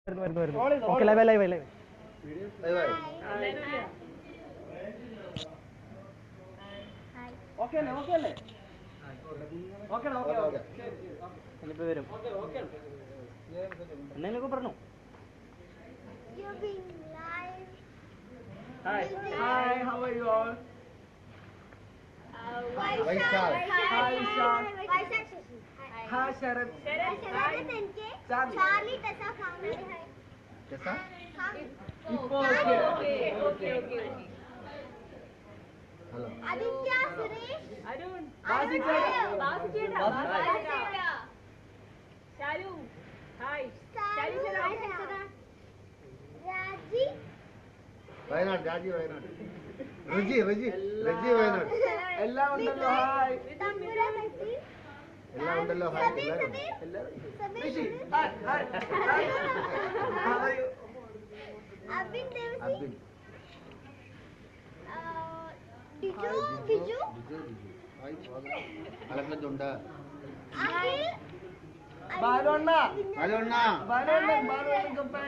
Okay live live live വരും എന്തെങ്കിലുമൊക്കെ പറഞ്ഞു. Hi. Hi, how are you all? Vaishal. Hi, Vishal. Hi, Sharat. Charlie, Tessa, family. Hi. Tessa? Okay. Hello. Aditya, Suresh. Arun. Basicetta. Shalu. Hi. Raji. Wayanad രാജി വയനാട് റിജി വയനാട് എല്ലാം ഉണ്ടല്ലോ. Hi. എല്ലാം ഉണ്ടല്ലോ hi Rishi. Hi. How are you? Abin Devsi. Abin Biju. Hi അലക്കത്തുണ്ട് Akhil. Balonna. അലോണ്ണ Balonna company.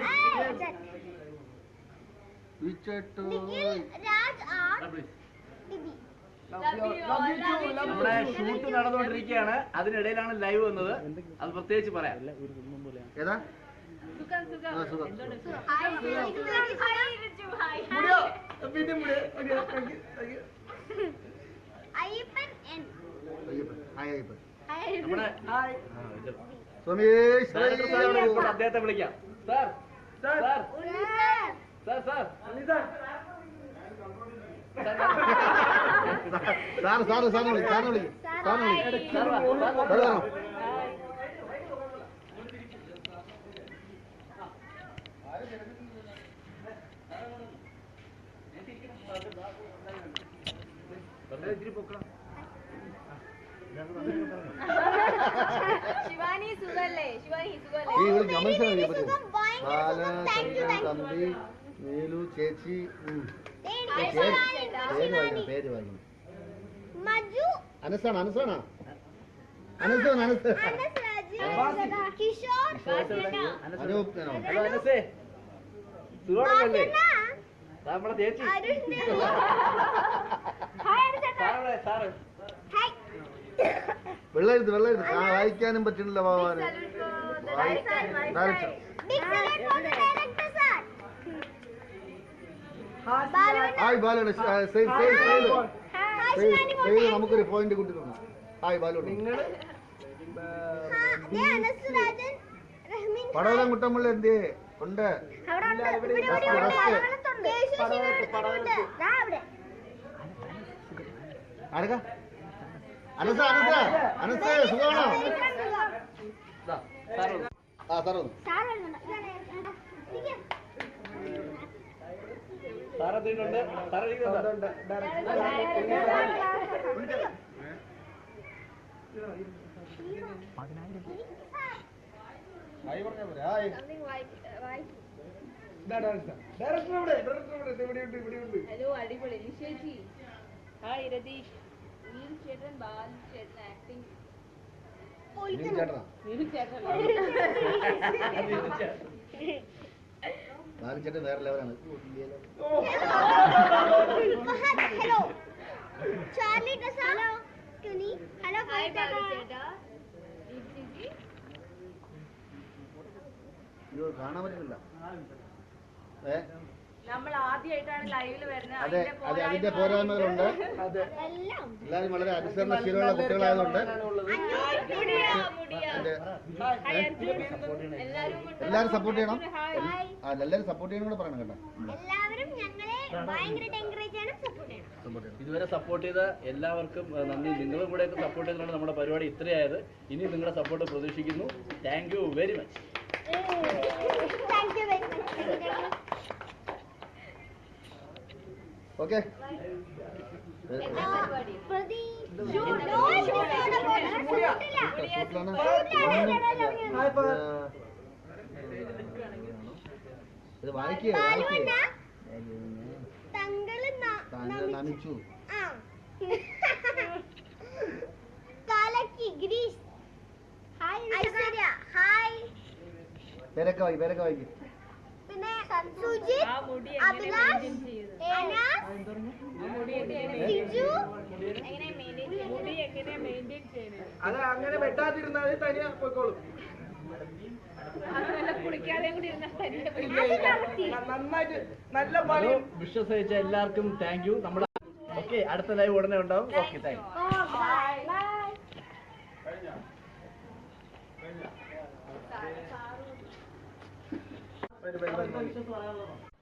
വിച്ചട്ടു Nikhil, Raj, Art. Bibi. നമ്മുടെ shoot നടന്നുകൊണ്ടിരിക്കുകയാണ്. അതിനിടയിലാണ് ലൈവ് വന്നത്. അത് പ്രത്യേകിച്ച് പറയാം. ഏതാ പിന്നെ Ayyappan N. അയ്യപ്പൻ നമ്മുടെ സുമേഷ് ഡയറക്ടർ സാറിനെ ഇപ്പോൾ അദ്ദേഹത്തെ വിളിക്കാം. Sir sir sir sir sir sir വിളി ശിവാനി സുഖല്ലേ? ഈ ഇവിടെ ഗമനിച്ചാൽ തമ്പി നീലു ചേച്ചി പേര് വായിക്കണം. Maju. അനസാണ് Anas Raji. Kishore. Anoop hello അനസേ, സുഖമാണല്ലേ? നമ്മുടെ ചേച്ചി Arun. Sir Hi. വെള്ളെഴുത്ത് വായിക്കാനും പറ്റുന്നില്ല ഭഗവാന്. Big salute for the director, sir. Hi ബാലോട് നമുക്കൊരു പോയിന്റ് കൂട്ടി തന്നു. ഹായ് ബാലോട് പടവലം കുട്ടമ്പള്ളി എന്തേ ഉണ്ട് ആരൊക്കെ അനസ സുഖമാണോ? ആ സാർ സാറെത്തിയിട്ടുണ്ട്. സാർ ഇരിക്കുന്നുണ്ട്. ഹായ് പറഞ്ഞാ പോരെ. ഹായ് ഹലോ, അടിപൊളി. നിഷേജി. ഹായ് രതീഷ്. നീൽ ചേട്ടൻ, ബാൽ ചേട്ടൻ ആക്ടിങ്. ചേട്ടനാ നീൽ ചേട്ടൻ ബാലിച്ചേട്ടൻ വേറെ ലെവലാണ്. Hello. Charlie Tessa. Hello. Kuni. Hello. Hi Balu ചേട്ടാ. ദീപ്തി. ഇത് കാണാൻ പറ്റുന്നില്ല. നമ്മൾ ആദ്യമായിട്ടാണ് ലൈവിൽ വരുന്നത്. അതെ അതിന്റെ പോരായ്മകളുണ്ട്. എല്ലാവരും വളരെ അനുസരണശീലമുള്ള കുട്ടികളായതുകൊണ്ട് എല്ലാവരും സപ്പോർട്ട് ചെയ്യണം. എല്ലാവരും സപ്പോർട്ട് ചെയ്യണം കൂടെ പറയണം കേട്ടോ. എല്ലാവരും ഞങ്ങളെ ഭയങ്കരമായിട്ട് എൻകറേജ് ചെയ്യണം, സപ്പോർട്ട് ചെയ്യണം. ഇതുവരെ സപ്പോർട്ട് ചെയ്ത എല്ലാവർക്കും നന്ദി. നിങ്ങളും കൂടെ ഒക്കെ സപ്പോർട്ട് ചെയ്തുകൊണ്ട് നമ്മുടെ പരിപാടി ഇത്രയായത്. ഇനി നിങ്ങളുടെ സപ്പോർട്ട് പ്രതീക്ഷിക്കുന്നു. Thank you very much. Thank you very much. Okay ഇത് വായിക്കുക നമിച്ചു പേരൊക്കെ വായിക്കും സുജിത്, ആ മുടി എങ്ങനെ അഭിലാഷ്, മെയിൻറ്റെയിൻ ചെയ്യുന്നത്? അനാസ്, മുടി എങ്ങനെ സിജു, എങ്ങനെ മെയിൻറ്റെയിൻ മുടി എങ്ങനെ മെയിൻറ്റെയിൻ ചെയ്യുന്നത്? അത് അങ്ങനെ വെട്ടാതിരുന്നാൽ തനിയെ പോയിക്കോളും. അത് നല്ല കുളിക്കാതെയും കൂടി ഇരുന്നാൽ തനിയെ പോയി. ഇല്ല, ഇല്ല. നന്നായിട്ട് നല്ല പണി. വിശ്വസിച്ച എല്ലാവർക്കും താങ്ക് യു. നമ്മുടെ ഓക്കെ, അടുത്ത ലൈവ് ഉടനെ ഉണ്ടാവും. Okay, thank you. ബൈ. വരും, വരും, വരും.